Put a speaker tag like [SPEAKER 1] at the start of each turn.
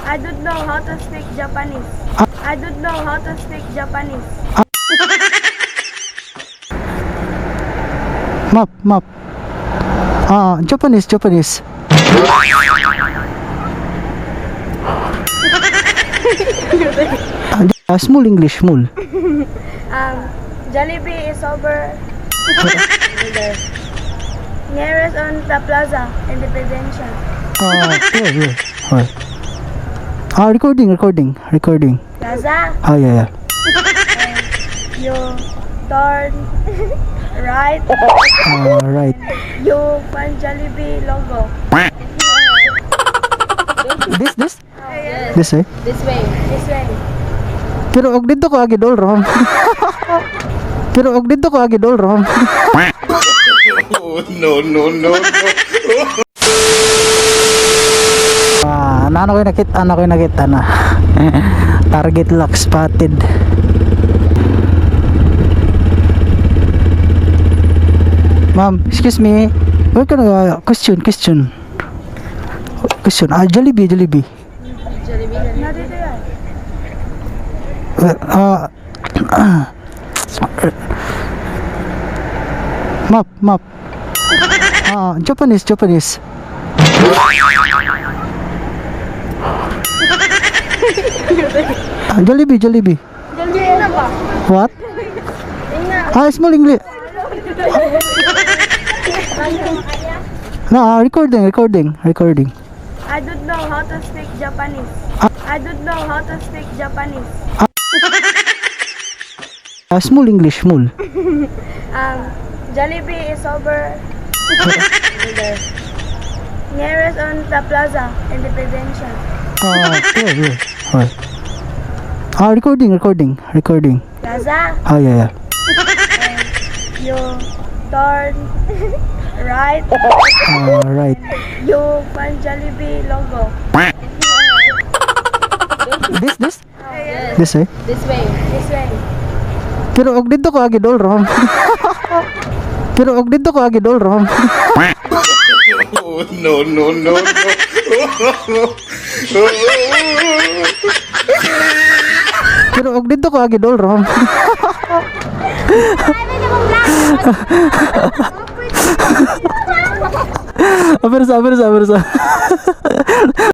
[SPEAKER 1] I don't know how to speak Japanese. I don't know how to speak Japanese.
[SPEAKER 2] Map. Japanese. Small English, small.
[SPEAKER 1] Jollibee is over nearest on the plaza Independence.
[SPEAKER 2] Yeah. Recording.
[SPEAKER 1] Plaza,
[SPEAKER 2] Yeah.
[SPEAKER 1] you turn right,
[SPEAKER 2] Right.
[SPEAKER 1] you find Jollibee logo.
[SPEAKER 2] This? This eh?
[SPEAKER 1] This way.
[SPEAKER 2] Pero og dito ko agidol rom.
[SPEAKER 3] No.
[SPEAKER 2] Ano ko nakita na. Target lock spotted. Ma'am, excuse me. Where can question. Jollibee.
[SPEAKER 1] Not dito yan.
[SPEAKER 2] Map. Japanese. Jollibee.
[SPEAKER 1] Jollibee na ba?
[SPEAKER 2] What? Small English. No, recording.
[SPEAKER 1] I don't know how to speak Japanese.
[SPEAKER 2] Small English.
[SPEAKER 1] Jollibee is over nearest on the plaza Independence.
[SPEAKER 2] Yeah. Recording.
[SPEAKER 1] Plaza,
[SPEAKER 2] Yeah.
[SPEAKER 1] you turn right,
[SPEAKER 2] Right.
[SPEAKER 1] you find Jollibee logo.
[SPEAKER 2] This? This eh?
[SPEAKER 1] This way.
[SPEAKER 2] Pero og dito ko agidol rom.
[SPEAKER 3] No.
[SPEAKER 2] Pero og dito ko agidol rom. Apersa.